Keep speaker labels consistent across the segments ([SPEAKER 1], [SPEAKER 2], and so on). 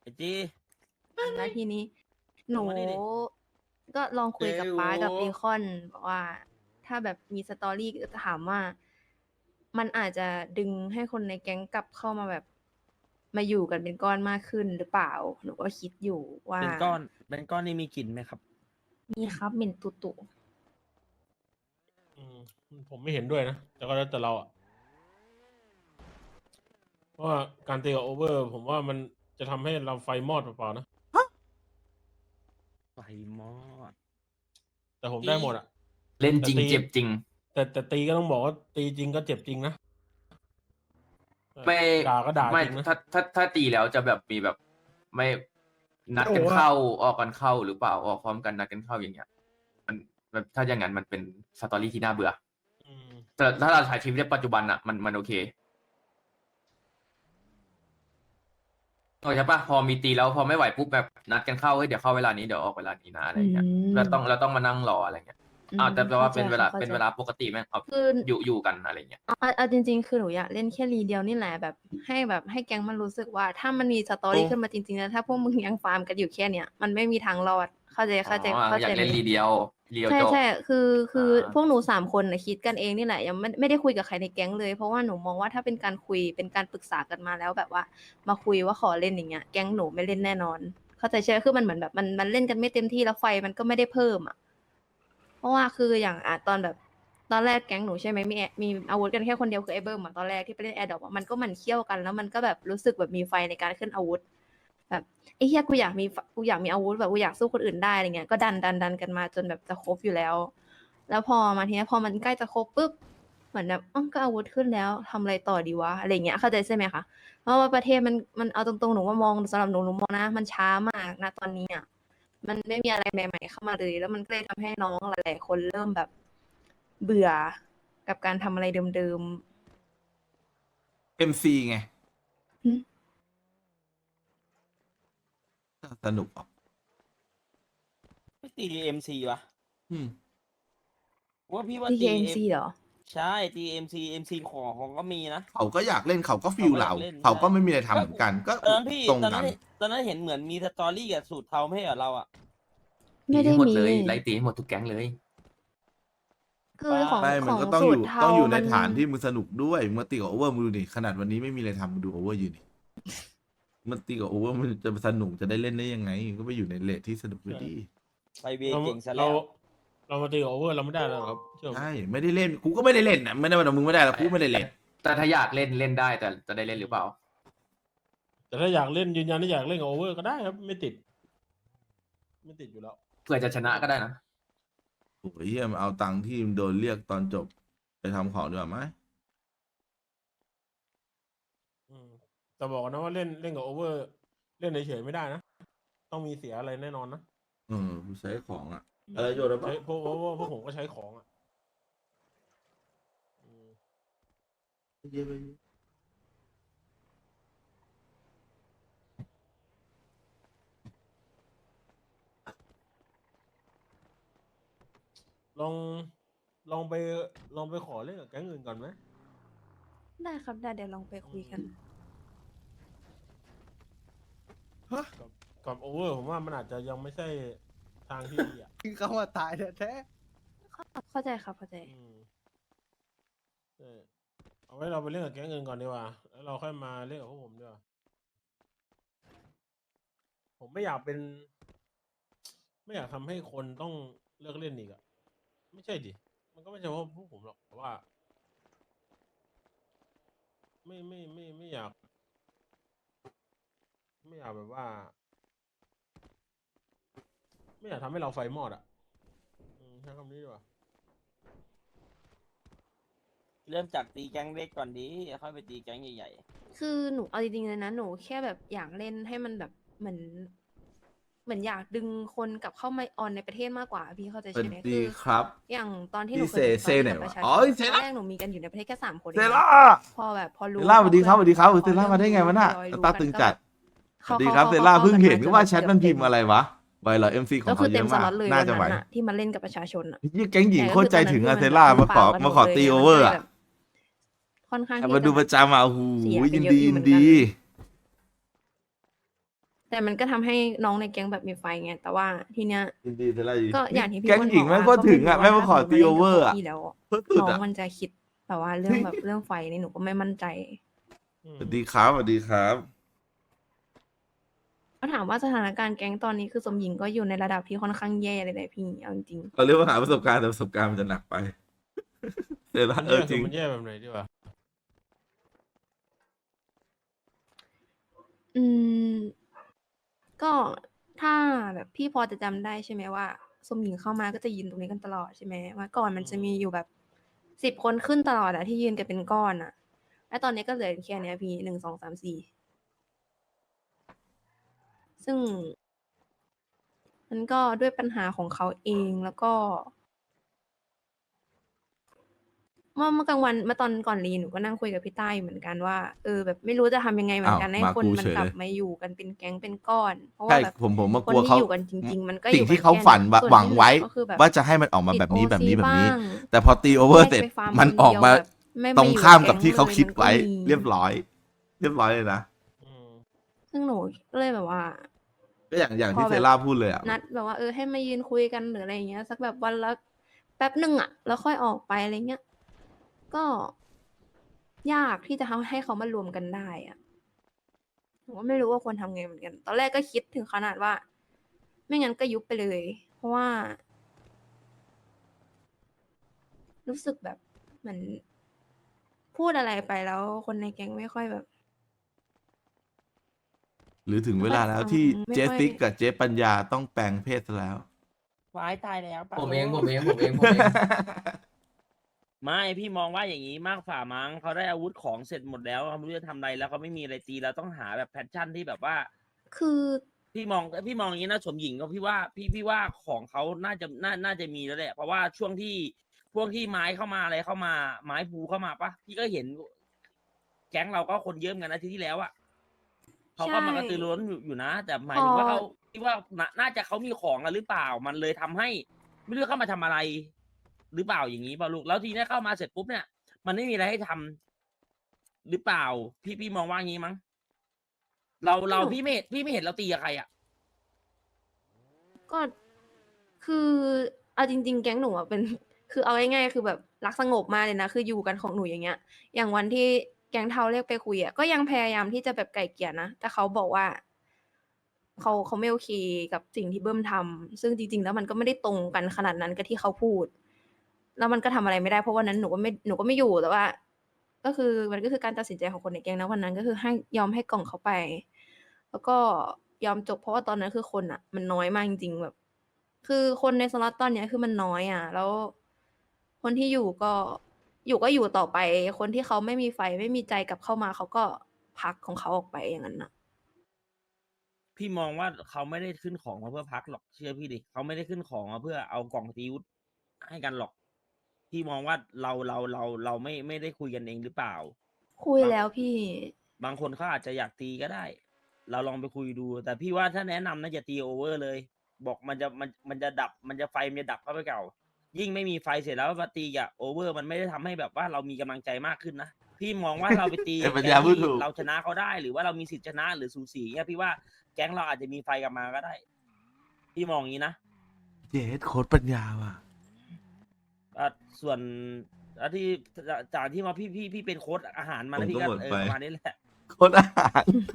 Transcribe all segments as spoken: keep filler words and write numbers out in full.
[SPEAKER 1] จี
[SPEAKER 2] แล้วทีนี้ หนู
[SPEAKER 1] มานี่ดิ
[SPEAKER 2] ก็ลองคุยกับป๊ากับ
[SPEAKER 3] เจ
[SPEAKER 2] เบ
[SPEAKER 3] ล
[SPEAKER 2] คอนบอกว่า ถ้าแบบมีสตอรี่ถามว่า มันอาจจะดึงให้คนในแก๊งกลับเข้ามาแบบ มาอยู่กันเป็นก้อนมากขึ้นหรือเปล่า หนูก็คิดอยู่ว่า
[SPEAKER 1] เป็นก้อนเป็นก้อนนี่มีกลิ่นไหมครับ
[SPEAKER 2] มีครับเหม็นตุตุ
[SPEAKER 3] อืมผมไม่เห็นด้วยนะ แต่ก็แล้วแต่เราอ่ะเพราะว่าการตีกับโอเวอร์ ผมว่ามันจะทำให้เราไฟมอดเปล่าๆนะ
[SPEAKER 1] ไฟมอด
[SPEAKER 3] แต่ผมได้หมดอ่ะ
[SPEAKER 4] เล่นจริง
[SPEAKER 3] แต่ตี
[SPEAKER 4] เจ็บจริง
[SPEAKER 3] แต่แต่ตีก็ต้องบอกว่าตีจริงก็เจ็บจริงนะ
[SPEAKER 4] ไม่
[SPEAKER 3] ด่าก็ด่า
[SPEAKER 4] ไม่
[SPEAKER 3] จริงนะ
[SPEAKER 4] ถ้าถ้าถ้าตีแล้วจะแบบมีแบบ ไม่นัดกัน
[SPEAKER 3] โอ้โห
[SPEAKER 4] เข้าออกกันเข้าหรือเปล่าออกพร้อมกันนัดกันเข้าอย่างเงี้ย มันแบบถ้าอย่างนั้นมันเป็นสตอรี่ที่น่าเบื่อ
[SPEAKER 3] อืม
[SPEAKER 4] แต่ถ้าเราใช้ชีวิตในปัจจุบันอะมันมันโอเคโอ้ใช่ปะพอมีตีแล้วพอไม่ไหวปุ๊บแบบนัดกันเข้าเฮ้ยเดี๋ยวเข้าเวลานี้เดี๋ยวออกเวลานี้นะอะไรเงี้ย
[SPEAKER 2] อืม
[SPEAKER 4] เราต้องเราต้องมานั่งรออะไรเงี้ย
[SPEAKER 2] อืม
[SPEAKER 4] อ้าวแต่แปลว่า
[SPEAKER 2] เข้าใจ
[SPEAKER 4] เป็นเวลา
[SPEAKER 2] เข้าใจ
[SPEAKER 4] เป็นเวลาปกติแม่งเอา
[SPEAKER 2] คือ
[SPEAKER 4] อยู่อยู่กันอะไรเงี้ย
[SPEAKER 2] เอาเอาเอาจริง ๆ คือหนูอยากเล่นแค่รีเดียวนี่แหละแบบให้แบบให้แก๊งมันรู้สึกว่า ถ้ามันมีสตอรี่
[SPEAKER 4] โอ้
[SPEAKER 2] ขึ้นมาจริงๆแล้วถ้าพวกมึงยังฟาร์มกันอยู่แค่เนี้ยมันไม่มีทางรอดเข้าใจเข้าใจ
[SPEAKER 4] อ๋อ
[SPEAKER 2] เข้า
[SPEAKER 4] อ
[SPEAKER 2] ใจ
[SPEAKER 4] ยากเล่น
[SPEAKER 2] ไหม
[SPEAKER 4] รีเดียวเรียว
[SPEAKER 2] ใช่
[SPEAKER 4] จบ
[SPEAKER 2] ใช่คือคืออา พวกหนูสามคนนะคิดกันเองนี่แหละยังไม่ไม่ได้คุยกับใครในแก๊งเลย เพราะว่าหนูมองว่าถ้าเป็นการคุยเป็นการปรึกษากันมาแล้วแบบว่า มาคุยว่าขอเล่นอย่างเงี้ยแก๊งหนูไม่เล่นแน่นอน เข้าใจใช่ไหมคือมันเหมือนแบบมันมันเล่นกันไม่เต็มที่แล้วไฟมันก็ไม่ได้เพิ่มอ่ะ เพราะว่าคืออย่างอ่ะตอนแบบตอนแรกแก๊งหนูใช่ไหมมีแอมีอาวุธกันแค่คนเดียวคือไอ้เบิ้มอ่ะตอนแรกที่ไปเล่นแอร์ดรอปมันก็หมันเคี่ยวกันแล้วมันก็แบบรู้สึกแบบมีไฟในการขึ้นอาวุธ แบบไอ้เฮียกูอยากมีฟกูอยากมีอาวุธแบบกูอยากสู้คนอื่นได้อะไรเงี้ยก็ดันดันดันกันมาจนแบบจะครบอยู่แล้ว แล้วพอมาทีนี้พอมันใกล้จะครบปุ๊บเหมือนแบบอ้าวก็อาวุธขึ้นแล้วทำอะไรต่อดีวะอะไรเงี้ยเข้าใจใช่ไหมคะเพราะว่าประเทศมันมันเอาตรงๆหนูว่ามองสำหรับหนูหนูมองนะมันช้ามากนะตอนนี้อ่ะมันไม่มีอะไรใหม่ๆเข้ามาเลย แล้วมันก็เลยทำให้น้องหลายๆคนเริ่มแบบเบื่อกับการทำอะไรเดิม
[SPEAKER 5] เอ็มซีไง
[SPEAKER 2] หึ
[SPEAKER 5] สนุกออก
[SPEAKER 1] ไม่ตีเอ็มซีวะ
[SPEAKER 5] อืม
[SPEAKER 1] ว่าพี่ว่า
[SPEAKER 2] ๆ ที
[SPEAKER 1] ตี
[SPEAKER 2] เอ็มซีเหรอ
[SPEAKER 1] ใช่ตีเอ็มซีเอ็มซีของของก็มีนะ
[SPEAKER 5] เขาก็อยากเล่นเขาก็ฟิลเรา
[SPEAKER 1] เขาก็อยากเล่น
[SPEAKER 5] เขาก็ไม่มีอะไรทำเหมือนกัน ก็
[SPEAKER 1] ตอนนั้นพี่
[SPEAKER 5] ตรง
[SPEAKER 1] ตอน
[SPEAKER 5] กั
[SPEAKER 1] นั้น นตอนนั้นเห็นเหมือนมีสตอรี่กับสูตรเทาไม่ใช่เหรอเราอ่ะ
[SPEAKER 2] ไม่ได้
[SPEAKER 4] ตีให้หมด
[SPEAKER 2] มี
[SPEAKER 4] เลยไล่ตีให้หมดทุกแก๊งเลย
[SPEAKER 2] คือของ
[SPEAKER 5] ไม่
[SPEAKER 2] ข
[SPEAKER 5] มัน
[SPEAKER 2] อง
[SPEAKER 5] ก็ต้อง
[SPEAKER 2] สู
[SPEAKER 5] อ
[SPEAKER 2] ต
[SPEAKER 5] ยู่
[SPEAKER 2] รเทา
[SPEAKER 5] ต้องอยู่ใน
[SPEAKER 2] มัน
[SPEAKER 5] ฐานที่มึงสนุกด้วยมึงตีกับโอเวอร์มึงดูดิขนาดวันนี้ไม่มีอะไรทำมึงดูโอเวอร์อยู่นี่มันตีกับโอเวอร์มันจะสนุกจะได้เล่นได้ยังไง ก็ไปอยู่ในเลทที่สนุกด้วยดี
[SPEAKER 1] ไปเว
[SPEAKER 3] เรา
[SPEAKER 1] เก่งซะ
[SPEAKER 3] เรา
[SPEAKER 1] แล้ว
[SPEAKER 3] เรามาตีกับโอเวอร์เราไม่ได้แล้วครับเชื่อผม
[SPEAKER 5] ใช่ไม่ได้เล่นกูก็ไม่ได้เล่นนะไม่ได้ว่ามึงไม่ได้แล้วกูไม่ได้เล่น
[SPEAKER 4] แต่ถ้าอยากเล่นเล่นได้แต่จะได้เล่นหรือเปล่า
[SPEAKER 3] แต่ถ้าอยากเล่นยืนยันที่อยากเล่นกับโอเวอร์ก็ได้ครับ ไม่ติด ไม่ติดอยู่แล้ว
[SPEAKER 4] เพื่อจะชนะก็ได้นะ
[SPEAKER 5] โอ้ยเฮียมนเอาตังค์ที่มึงโดนเรียกตอนจบไปทำของดีกว่าไหม
[SPEAKER 3] อืมแต่บอกนะว่าเล่นเล่นกับโอเวอร์ เล่นเฉยๆไม่ได้นะ ต้องมีเสียอะไรแน่นอนนะ
[SPEAKER 5] เออกูใช้ของอ่ะอะไรโยนแล้วปะ
[SPEAKER 3] ใช้เพราะเพราะว่าพวกผมก็ใช้ของอ่ะอืม
[SPEAKER 5] เยอะไป
[SPEAKER 3] ลองลองไปลองไปขอเล่นกับแก๊งอื่นก่อนไหม
[SPEAKER 2] ได้ครับได้เดี๋ยวลองไปคุยกัน
[SPEAKER 3] กับกับโอเวอร์ผมว่ามันอาจจะยังไม่ใช่ทางที่ดีอ่ะ
[SPEAKER 6] คือเขามาตายแท้
[SPEAKER 2] เข้าใจครับเข้าใจ
[SPEAKER 3] อืมเออเอาไว้เราไปเล่นกับแก๊งอื่นก่อนดีกว่า แล้วเราค่อยมาเล่นกับพวกผมดีกว่า ผมไม่อยากเป็น ไม่อยากทำให้คนต้องเลิกเล่นอีกอะไม่ใช่ดิ มันก็ไม่ใช่เพราะพวกผมหรอกแต่ว่า ไม่ไม่ไม่ไม่อยาก ไม่อยากแบบว่า ไม่อยากทำให้เราไฟมอดอ่ะอืมใช้คำนี้ดีกว่า
[SPEAKER 1] เริ่มจากตีแก๊งเล็กก่อนดีค่อยไปตีแก๊งใหญ่
[SPEAKER 2] คือหนูเอาจริงๆเลยนะหนูแค่แบบอยากเล่นให้มันแบบเหมือน เหมือนอยากดึงคนกลับเข้ามาออนในประเทศมากกว่าพี่เข้าใจ
[SPEAKER 5] สวั
[SPEAKER 2] ใช่
[SPEAKER 5] ส
[SPEAKER 2] ไหม
[SPEAKER 5] ดี
[SPEAKER 2] คือ
[SPEAKER 5] ครับ
[SPEAKER 2] อย่างตอนที่หนู
[SPEAKER 5] พี่
[SPEAKER 2] เคย
[SPEAKER 5] เซ
[SPEAKER 2] ติดต่อ
[SPEAKER 5] เซไหน
[SPEAKER 2] กับประ
[SPEAKER 5] วะ
[SPEAKER 2] ชาช
[SPEAKER 5] อ๋
[SPEAKER 2] น
[SPEAKER 5] อเซ
[SPEAKER 2] ตอน
[SPEAKER 5] ล่า
[SPEAKER 2] แรกหนูมีกันอยู่ในประเทศแค่สามคน
[SPEAKER 5] เซ
[SPEAKER 2] เอง
[SPEAKER 5] ล่า
[SPEAKER 2] พอแบบพอรู้
[SPEAKER 5] เซล่าสวัสดีครับสวัสดีครับ
[SPEAKER 2] พอ
[SPEAKER 5] เซล่ามาได้ไงวะน่ะ
[SPEAKER 2] พอรู้
[SPEAKER 5] ตาตึงจัด ส
[SPEAKER 2] เขา
[SPEAKER 5] วัสดี
[SPEAKER 2] เขา
[SPEAKER 5] ครับ
[SPEAKER 2] เขา
[SPEAKER 5] เซล่า
[SPEAKER 2] เขา
[SPEAKER 5] เพิ่งเห็น
[SPEAKER 2] กั
[SPEAKER 5] ก็
[SPEAKER 2] น
[SPEAKER 5] ว่า
[SPEAKER 2] จน
[SPEAKER 5] แชทมัน
[SPEAKER 2] เกือบ
[SPEAKER 5] พิมพ์อะไรวะไวเหรอเอ็มซีของ
[SPEAKER 2] ก็คื
[SPEAKER 5] เขา
[SPEAKER 2] อ
[SPEAKER 5] เย
[SPEAKER 2] เต็ม
[SPEAKER 5] อะ
[SPEAKER 2] ส
[SPEAKER 5] มาก
[SPEAKER 2] ล็อตเลย
[SPEAKER 5] น่า
[SPEAKER 2] วัน
[SPEAKER 5] จะไหว
[SPEAKER 2] นั้นอะที่มาเล่นกับประชาชนอะ
[SPEAKER 5] ยี่แก๊งหญิง
[SPEAKER 2] แต่
[SPEAKER 5] โค
[SPEAKER 2] ก็
[SPEAKER 5] ตร
[SPEAKER 2] คือ
[SPEAKER 5] ใจ
[SPEAKER 2] ตอนนั้น
[SPEAKER 5] ถึง
[SPEAKER 2] คือ
[SPEAKER 5] อะ
[SPEAKER 2] มัน
[SPEAKER 5] เซล่า
[SPEAKER 2] แบบ
[SPEAKER 5] มาขอ
[SPEAKER 2] ปากกัน
[SPEAKER 5] มาขอ
[SPEAKER 2] หมดเลย
[SPEAKER 5] ตี
[SPEAKER 2] อะ
[SPEAKER 5] โอ
[SPEAKER 2] มัน
[SPEAKER 5] เว
[SPEAKER 2] ก็
[SPEAKER 5] อ
[SPEAKER 2] เลย
[SPEAKER 5] ร์อะ
[SPEAKER 2] แบบค่อนข้างที่
[SPEAKER 5] มาดู
[SPEAKER 2] จะ
[SPEAKER 5] ประจำอ่ะโอ้โห
[SPEAKER 2] เสียไป
[SPEAKER 5] ยิน
[SPEAKER 2] เยอะ
[SPEAKER 5] ดี
[SPEAKER 2] อยู่
[SPEAKER 5] ยิ
[SPEAKER 2] เหมื
[SPEAKER 5] น
[SPEAKER 2] อนกัน
[SPEAKER 5] ดี
[SPEAKER 2] แต่มันก็ทำให้น้องในแก๊งแบบมีไฟไงแต่ว่าทีเนี้ย
[SPEAKER 5] ยินดีแต่ละยิน
[SPEAKER 2] ก็อย่างที่พี่
[SPEAKER 5] แก๊ง
[SPEAKER 2] อ้วน
[SPEAKER 5] หญิง
[SPEAKER 2] บ
[SPEAKER 5] แม่
[SPEAKER 2] อก
[SPEAKER 5] ง
[SPEAKER 2] ว่า
[SPEAKER 5] ก็ถึงอ่ะ
[SPEAKER 2] ก็
[SPEAKER 5] แม่ง
[SPEAKER 2] ไรู้
[SPEAKER 5] มาขอ
[SPEAKER 2] ว่า
[SPEAKER 5] ตี
[SPEAKER 2] ถ้า
[SPEAKER 5] โอเวอร์
[SPEAKER 2] สม
[SPEAKER 5] อ่ะ
[SPEAKER 2] มุติว่าเล่นกับพวกพี่แล้ว
[SPEAKER 5] เพิ่มสุด
[SPEAKER 2] น้อง
[SPEAKER 5] อ่ะ
[SPEAKER 2] มันจะคิดแบบว่าเรื่องแบบเรื่องไฟนี่หนูก็ไม่มั่นใจ
[SPEAKER 3] อืม
[SPEAKER 5] สวัสดีครับสวัสดีครับ
[SPEAKER 2] ก็ถามว่าสถานการณ์แก๊งตอนนี้คือสมหญิงก็อยู่ในระดับที่ค่อนข้างแย่เลยแหละพี่เอาจริง
[SPEAKER 5] เราเรียกว่าหาประสบการณ์แต่ประสบการณ์มันจะหนักไปเดี๋ยวละ
[SPEAKER 3] มัน
[SPEAKER 5] เอ
[SPEAKER 3] แย่
[SPEAKER 5] อจ
[SPEAKER 3] คื
[SPEAKER 5] ริ
[SPEAKER 3] อง มันแย่แบบไหนดีวะ
[SPEAKER 2] ๆอืม ก็ถ้าแบบพี่พอจะจำได้ใช่ไหมว่าสมหญิงเข้ามาก็จะยืนตรงนี้กันตลอดใช่ไหมว่าก่อนมันจะมีอยู่แบบสิบคนขึ้นตลอดอะที่ยืนกันเป็นก้อนอะแล้วตอนนี้ก็เหลือแค่เนี้ยพี่หนึ่งสองสามสี่ซึ่ง มันก็ด้วยปัญหาของเขาเองแล้วก็ เมื่อเมื่อกลางวันเมื่อตอนก่อนรีหนูก็นั่งคุยกับพี่ต้าอยู่เหมือนกันว่าเออแบบไม่รู้จะทำยังไงเหมือนกัน
[SPEAKER 5] อ้าว
[SPEAKER 2] ให้
[SPEAKER 5] มา
[SPEAKER 2] คน
[SPEAKER 5] กู
[SPEAKER 2] มัน
[SPEAKER 5] เฉย
[SPEAKER 2] กลับ
[SPEAKER 5] เลย
[SPEAKER 2] มาอยู่กันเป็นแก๊งเป็นก้อน เพราะว่า
[SPEAKER 5] ใช่
[SPEAKER 2] แบบ
[SPEAKER 5] ผมผมมา
[SPEAKER 2] ค
[SPEAKER 5] ก
[SPEAKER 2] น
[SPEAKER 5] ลัว
[SPEAKER 2] ที่
[SPEAKER 5] เขา
[SPEAKER 2] อยู่กันจริง ๆ มันก็อ
[SPEAKER 5] สิ่ง
[SPEAKER 2] ยู่
[SPEAKER 5] ที่
[SPEAKER 2] กัน
[SPEAKER 5] เขา
[SPEAKER 2] แค่
[SPEAKER 5] ฝัน
[SPEAKER 2] นั้น
[SPEAKER 5] ว่า
[SPEAKER 2] ส่วน
[SPEAKER 5] หวัง
[SPEAKER 2] ที่เหลื
[SPEAKER 5] ไว้
[SPEAKER 2] อก็คือแบบ
[SPEAKER 5] ว่าจะให้มันออกมา
[SPEAKER 2] ติด
[SPEAKER 5] แบบนี้
[SPEAKER 2] โอ
[SPEAKER 5] แบบ
[SPEAKER 2] ซี
[SPEAKER 5] นี้แบบนี้
[SPEAKER 2] บ้าง
[SPEAKER 5] แต่พอตีโอเวอร์
[SPEAKER 2] แยก
[SPEAKER 5] เสร็จ
[SPEAKER 2] ไปฟาร์ม
[SPEAKER 5] มัน
[SPEAKER 2] คน
[SPEAKER 5] ออก
[SPEAKER 2] เดียว
[SPEAKER 5] มา
[SPEAKER 2] แบบไม่
[SPEAKER 5] ตรง
[SPEAKER 2] มาอยู่
[SPEAKER 5] ข้าม
[SPEAKER 2] แก๊
[SPEAKER 5] กับ
[SPEAKER 2] ง
[SPEAKER 5] ที่เขา
[SPEAKER 2] เลย
[SPEAKER 5] คิด
[SPEAKER 2] มันก็
[SPEAKER 5] ไว้
[SPEAKER 2] มี
[SPEAKER 5] เรียบร้อย เรียบร้อยเลยนะ
[SPEAKER 3] อืม
[SPEAKER 2] ซึ่งหนูก็เลยแบบว่า
[SPEAKER 5] ก็อย่างอย่าง
[SPEAKER 2] พ
[SPEAKER 5] ที่
[SPEAKER 2] อ
[SPEAKER 5] เซ
[SPEAKER 2] แบบ
[SPEAKER 5] ล่าพูดเลยอ่ะ
[SPEAKER 2] นัดแบบว่าเออให้มายืนคุยกันหรืออะไรอย่างเงี้ยสักแบบวันละแป๊บหนึ่งอะแล้วค่อยออกไปอะไรเงี้ยก็ยากที่จะทำให้เขามารวมกันได้อะผมก็ไม่รู้ว่าควรทำไงเหมือนกัน ตอนแรกก็คิดถึงขนาดว่า ไม่งั้นก็ยุบไปเลย เพราะว่า รู้สึกแบบเหมือนพูดอะไรไปแล้วคนในแก๊งไม่ค่อยแบบ
[SPEAKER 5] หรือถึง
[SPEAKER 2] ไม่
[SPEAKER 5] เว
[SPEAKER 2] ค่อย
[SPEAKER 5] ลาแล้ว
[SPEAKER 2] ฟัง
[SPEAKER 5] ที่
[SPEAKER 2] ไม่
[SPEAKER 5] เจ
[SPEAKER 2] ค่อย
[SPEAKER 5] ติ๊กกับเจปัญญาต้องแปลงเพศซะแล้ว
[SPEAKER 1] วายตายแล้วปะ
[SPEAKER 4] ผมเอง
[SPEAKER 1] โ
[SPEAKER 4] ผมเองผมเองผมเอง
[SPEAKER 1] ไม่พี่มองว่าอย่างนี้มากฝ่ามั้งเขาได้อาวุธของเสร็จหมดแล้วเขาไม่รู้จะทำอะไรแล้วเขาไม่มีอะไรตีแล้วต้องหาแบบแพชชั่นที่แบบว่า
[SPEAKER 2] คือ
[SPEAKER 1] พี่มองพี่มองอย่างนี้นะสมหญิงก็พี่ว่าพี่พี่ว่าของเขาน่าจะน่าน่าจะมีแล้วแหละเพราะว่าช่วงที่พวกที่ไม้เข้ามาอะไรเข้ามาไม้ภูเข้ามาปะพี่ก็เห็น แก๊งเราก็คนเยอะเหมือนกันอาทิตย์ที่แล้วอะเขาก็มากระตือรือร้นอยู่อยู่นะ แต่หมายถึงว่าเขาพี่ว่าน่าน่าจะเขามีของอะหรือเปล่า มันเลยทำให้ ไม่รู้เข้ามาทำอะไร หรือเปล่าอย่างนี้เปล่าลูกแล้วทีนี้เข้ามาเสร็จปุ๊บเนี่ย มันไม่มีอะไรให้ทำหรือเปล่า พี่พี่มองว่างี้มั้งเราเราพี่ไม่เห็นพี่ไม่เห็นเราตีกับใครอะ
[SPEAKER 2] ก็คือเอาจริง ๆ แก๊งหนูอะเป็น คือเอาง่ายๆคือแบบรักสงบมากเลยนะคืออยู่กันของหนูอย่างเงี้ย อย่างวันที่แก๊งเทาเรียกไปคุยอะก็ยังพยายามที่จะแบบไกล่เกลี่ยนะแต่เขาบอกว่าเขาเขาไม่โอเคกับสิ่งที่เบิ้มทำซึ่งจริง ๆ แล้วมันก็ไม่ได้ตรงกันขนาดนั้นกับที่เขาพูด แล้วมันก็ทำอะไรไม่ได้เพราะวันนั้นหนูก็ไม่หนูก็ไม่อยู่แต่ว่า ก็คือมันก็คือการตัดสินใจของคนในแก๊งนะวันนั้นก็คือให้ยอมให้กล่องเขาไป แล้วก็ยอมจบเพราะว่าตอนนั้นคือคนอ่ะ มันน้อยมากจริงๆแบบ คือคนในสล็อตตอนเนี้ยคือมันน้อยอ่ะ แล้ว คนที่อยู่ก็อยู่ก็อยู่ต่อไป คนที่เขาไม่มีไฟไม่มีใจกลับเข้ามาเขาก็พักของเขาออกไปอย่างนั้นน่ะ
[SPEAKER 1] พี่มองว่าเขาไม่ได้ขึ้นของมาเพื่อพักหรอกเชื่อพี่ดิเขาไม่ได้ขึ้นของมาเพื่อเอากล่องตีวุธให้กันหรอก พี่มองว่าเราเราเราเราไม่ไม่ได้คุยกันเองหรือเปล่า
[SPEAKER 2] คุยแล้วพี่
[SPEAKER 1] บางคนเขาอาจจะอยากตีก็ได้ เราลองไปคุยดู แต่พี่ว่าถ้าแนะนำนะอย่าตีโอเวอร์เลย บอกมันจะมันมันจะดับมันจะไฟมันจะดับเข้าไปเก่า ยิ่งไม่มีไฟเสร็จแล้วมาตีอ่ะโอเวอร์มันไม่ได้ทำให้แบบว่าเรามีกำลังใจมากขึ้นนะ พี่มองว่าเราไปตี
[SPEAKER 5] ไอ้ปัญ
[SPEAKER 1] แก๊
[SPEAKER 5] ญาง พูด
[SPEAKER 1] ที่
[SPEAKER 5] ถูก
[SPEAKER 1] เราชนะเขาได้ หรือว่าเรามีสิทธิชนะหรือสูสีเนี่ยพี่ว่าแก๊งเราอาจจะมีไฟกลับมาก็ได้ พี่มองอย่างนี้นะ
[SPEAKER 5] เจดโค้ดปัญญาว่ะ
[SPEAKER 1] อ่ะส่วนอ่ะที่จากจากที่มาพี่พี่พี่เป็นโค้ชอาหารมา
[SPEAKER 5] ผม
[SPEAKER 1] นะพี่
[SPEAKER 5] ก็
[SPEAKER 1] ก็
[SPEAKER 5] หมด
[SPEAKER 1] เออ
[SPEAKER 5] ไป
[SPEAKER 1] ประมาณนี้แหละ
[SPEAKER 5] โค้ดอาหาร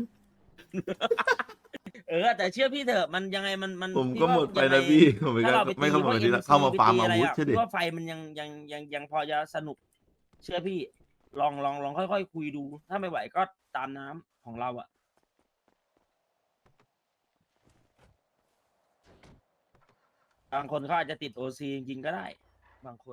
[SPEAKER 1] เออแต่เชื่อพี่เถอะมันยังไงมันมัน
[SPEAKER 5] ผม
[SPEAKER 1] พี่
[SPEAKER 5] ก็
[SPEAKER 1] ว่า
[SPEAKER 5] หมดไป
[SPEAKER 1] ยังง
[SPEAKER 5] นะพี่ผมไม่
[SPEAKER 1] ถ้า
[SPEAKER 5] ก็
[SPEAKER 1] เราไป
[SPEAKER 5] ไม่
[SPEAKER 1] ตี
[SPEAKER 5] เข้า
[SPEAKER 1] พว
[SPEAKER 5] มาก ทีละ
[SPEAKER 1] เอ็มซี
[SPEAKER 5] เข้ามา
[SPEAKER 1] ไป
[SPEAKER 5] ฟาร์ม
[SPEAKER 1] ตี
[SPEAKER 5] อา
[SPEAKER 1] อะไร
[SPEAKER 5] วุธ
[SPEAKER 1] อ่ะ
[SPEAKER 5] ใช่ดิ
[SPEAKER 1] พี่ว่าไฟมันยังยังยังยังพอจะสนุก เชื่อพี่ ลองลองลองค่อยๆคุยดู ถ้าไม่ไหวก็ตามน้ำของเราอ่ะบางคนเขาอาจจะติดโอซีจริงๆก็ได้ บางคน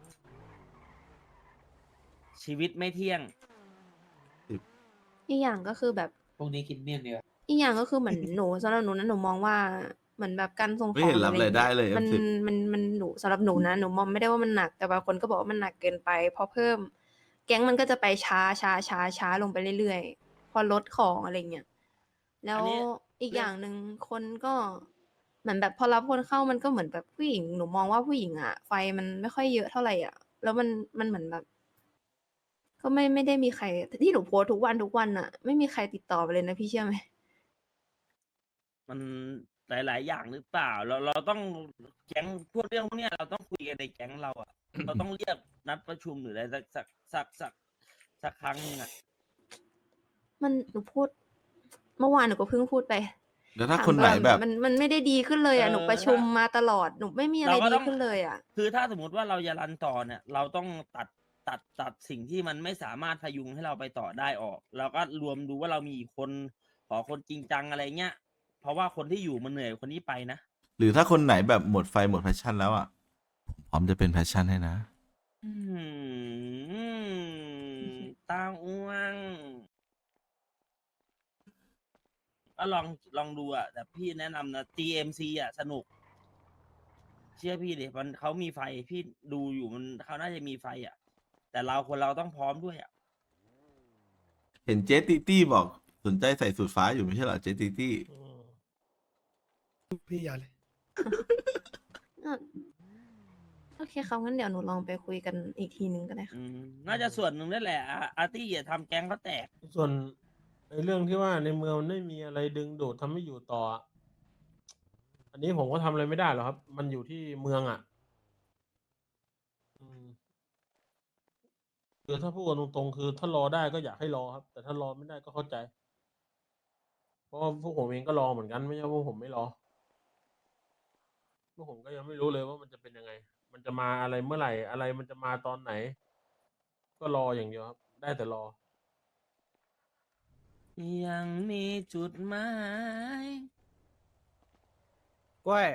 [SPEAKER 1] ชีวิตไม่เที่ยง
[SPEAKER 2] อีกอย่างก็คือแบบ
[SPEAKER 4] พวกนี้คิดเนียนเนี่ย
[SPEAKER 2] อีกอย่างก็คือเหมือน หนูสำหรับหนูนะหนูมองว่าเหมือนแบบการส่งข
[SPEAKER 5] ไม่
[SPEAKER 2] อง
[SPEAKER 5] เห็น
[SPEAKER 2] ห
[SPEAKER 5] รับ
[SPEAKER 2] ออะ
[SPEAKER 5] รายได้เลย
[SPEAKER 2] มัน
[SPEAKER 5] เอฟสิบ
[SPEAKER 2] มันมันหนูสำหรับหนูนะหนูมองไม่ได้ว่ามันหนักแต่บางคนก็บอกว่ามันหนักเกินไปพอเพิ่ม แก๊งมันก็จะไปช้าช้าช้าช้าลงไปเรื่อยๆพอลดของอะไรเงี้ยแล้
[SPEAKER 1] อั
[SPEAKER 2] วน
[SPEAKER 1] นี้
[SPEAKER 2] อีก
[SPEAKER 1] เรื่
[SPEAKER 2] อ
[SPEAKER 1] อง
[SPEAKER 2] ย่างหนึ่งคนก็เหมือนแบบพอรับคนเข้ามันก็เหมือนแบบผู้หญิงหนูมองว่าผู้หญิงอ่ะไฟมันไม่ค่อยเยอะเท่าไหร่อ่ะ แล้วมันมันเหมือนแบบ ก็ไม่ไม่ได้มีใครที่หนูโพสต์ทุกวันทุกวันอ่ะ ไม่มีใครติดต่อมาเลยนะพี่เชื่อไหม
[SPEAKER 1] มันหลาย ๆ อย่างหรือเปล่า เราเราต้องแก๊งพวกเรื่องพวกเนี้ยเราต้องคุยกันในแก๊งเราอ่ะ เราต้องเรียกนัดประชุมหรืออะไรสักสักสักสักสักครั้งหนึงอ่ะ
[SPEAKER 2] มันหนูพูด เมื่อวานหนูก็เพิ่งพูดไป
[SPEAKER 5] แล้วถ้า
[SPEAKER 2] ถาม
[SPEAKER 5] คนไหนแบบ
[SPEAKER 2] มันมันไม่ได้ดีขึ้นเลยอ่ะ
[SPEAKER 1] เออ
[SPEAKER 2] หนูประชุมมาตลอดหนูไม่มีอะไร
[SPEAKER 1] เราก็
[SPEAKER 2] ดี
[SPEAKER 1] ต้อง
[SPEAKER 2] ขึ้นเลยอ่ะ
[SPEAKER 1] คือถ้าสมมติว่าเราจะรันต่อเนี่ย เราต้องตัดตัดตัดสิ่งที่มันไม่สามารถพยุงให้เราไปต่อได้ออก แล้วก็รวมดูว่าเรามีกี่คนขอคนจริงจังอะไรเงี้ย เพราะว่าคนที่อยู่มันเหนื่อยกว่าคนที่ไปนะ
[SPEAKER 5] หรือถ้าคนไหนแบบหมดไฟหมดแพชชั่นแล้วอ่ะผมพร้อมจะเป็นแพชชั่นให้นะ
[SPEAKER 1] อืมตาอ้วงก็ลองลองดูอ่ะ แต่พี่แนะนำนะ ที เอ็ม ซี อ่ะ สนุก เชื่อพี่ดิมันเขามีไฟพี่ดูอยู่มันเขาน่าจะมีไฟอ่ะ แต่เราคนเราต้องพร้อมด้วยอ่ะ
[SPEAKER 5] เห็นเจ๊ตีตี้บอกสนใจใส่สูทฟ้าอยู่ไม่ใช่เหรอเจ๊ตีตี้
[SPEAKER 3] อืม
[SPEAKER 6] พี่อย่าเลย
[SPEAKER 2] อ่ะโอเคครับงั้นเดี๋ยวหนูลองไปคุยกันอีกทีนึงก็ได้ค่ะ
[SPEAKER 1] อืมน่าจะส่วนหนึ่งนั่นแหละอาอาร์ตี้อย่าทำแก๊งเขาแตก
[SPEAKER 3] ส่วนในเรื่องที่ว่าในเมืองมันไม่มีอะไรดึงดูดทำให้อยู่ต่ออะอันนี้ผมก็ทำอะไรไม่ได้หรอกครับ มันอยู่ที่เมืองอ่ะ อืมคือถ้าพูดกันตรงๆคือถ้ารอได้ก็อยากให้รอครับ แต่ถ้ารอไม่ได้ก็เข้าใจ เพราะว่าพวกผมเองก็รอเหมือนกันไม่ใช่ว่าพวกผมไม่รอพวกผมก็ยังไม่รู้เลยว่ามันจะเป็นยังไง มันจะมาอะไรเมื่อไหร่อะไรมันจะมาตอนไหน ก็รออย่างเดียวครับ ได้แต่รอ
[SPEAKER 1] ยังมีจุดหมาย
[SPEAKER 6] กล้วย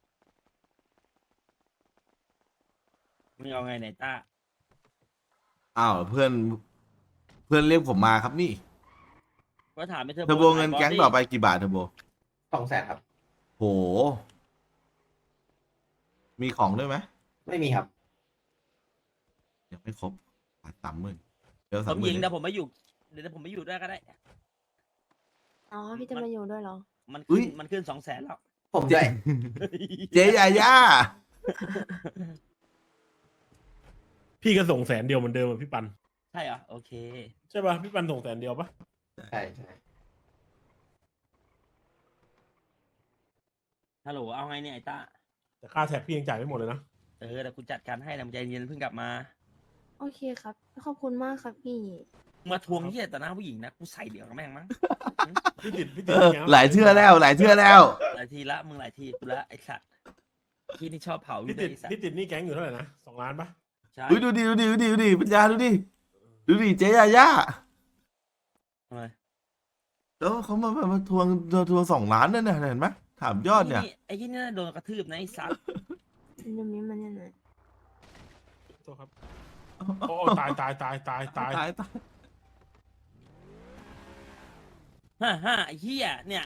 [SPEAKER 1] มึงเอาไงไหนต้า
[SPEAKER 5] อ้าวเพื่อนเพื่อนเรียกผมมาครับนี่
[SPEAKER 1] ก็ถามไปเธอ
[SPEAKER 5] เทอร์โบเงินแก๊งต่อไปกี่บาทเทอร์โบ
[SPEAKER 4] สองแสนครับ
[SPEAKER 5] โห มีของด้วยไหม
[SPEAKER 4] ไม่มีครับ
[SPEAKER 5] ยังไม่ครบขาดสามหมื่นเดี๋ยว
[SPEAKER 1] ผ
[SPEAKER 5] สาม
[SPEAKER 1] ม
[SPEAKER 5] หมื่
[SPEAKER 1] ยิ
[SPEAKER 5] น
[SPEAKER 1] งแต่ผมไม่อยู่เดี๋ยวผมไม่อยู่ด้วยก็ได้
[SPEAKER 2] อ๋อพี่จะมาอยู่ด้วยเหรอ
[SPEAKER 1] มันขึ้นมันขึ้นสองแสนแล้ว
[SPEAKER 4] ผมด้วย
[SPEAKER 5] เจ๊ยาย่า
[SPEAKER 3] พี่ก็ส่งแสนเดียวเหมือนเดิมอะพี่ปัน
[SPEAKER 1] ใช่เหรอโอเค
[SPEAKER 3] ใช่ป่ะพี่ปันส่งแสนเดียวปะ
[SPEAKER 4] ใช่ใช่
[SPEAKER 1] ฮัลโหลเอาไงเนี่ยไอ้ต้า
[SPEAKER 3] แต่ค่าแท็กพี่ยังจ่ายไม่หมดเลยนะ
[SPEAKER 1] เออแต่กูจัดการให้นะมึงใจเย็นเพิ่งกลับมา
[SPEAKER 2] โอเคครับ ขอบคุณมากครับพี่
[SPEAKER 1] มาทวงที่แต่หน้าผู้หญิงนะกูใส่เดี๋ยวกับแม่งมั้ง
[SPEAKER 3] พี่ติดพี่
[SPEAKER 5] เอ
[SPEAKER 3] ติด
[SPEAKER 5] อ
[SPEAKER 3] แก๊ง
[SPEAKER 5] หลายเชื่อแล้ว หลายเชื่อแล้ว
[SPEAKER 1] หลายทีละมึงหลายทีกูละไอ้สัตว์ที่นี่ชอบเผาอยู่
[SPEAKER 3] พี่
[SPEAKER 1] ด้ว
[SPEAKER 3] ติ
[SPEAKER 1] ย
[SPEAKER 3] ด
[SPEAKER 1] ไอ้สัต
[SPEAKER 3] พี่
[SPEAKER 1] ว์
[SPEAKER 3] ติดหนี่แก๊งอยู่เท่าไหร่นะสองล้านปะ
[SPEAKER 1] ใช่
[SPEAKER 5] อุ้ยดูดิดูดิดูดิดูดิปัญญาดูดิดูดิเจ๊ยาย่า
[SPEAKER 1] ทำไม
[SPEAKER 5] แล้วเขามามามาทวงทวงสองล้านนั่นน่ะเห็นไหมถามยอดเนี่ย
[SPEAKER 1] ไอ้ที่นี่น่าโดนกระทืบนะไอ้สัตว์
[SPEAKER 2] เดี๋ยวนี้มันยังไง
[SPEAKER 3] โทษครับโอ้ตายตายตายตายตาย
[SPEAKER 5] ตายตาย
[SPEAKER 1] ฮ่าฮ่าไอ้เหี้ยเนี่ย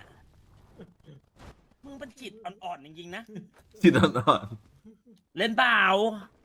[SPEAKER 1] มึงเป็นจิตอ่อนๆจริงๆนะ
[SPEAKER 5] จิตอ่อน
[SPEAKER 1] เล่นเปล่า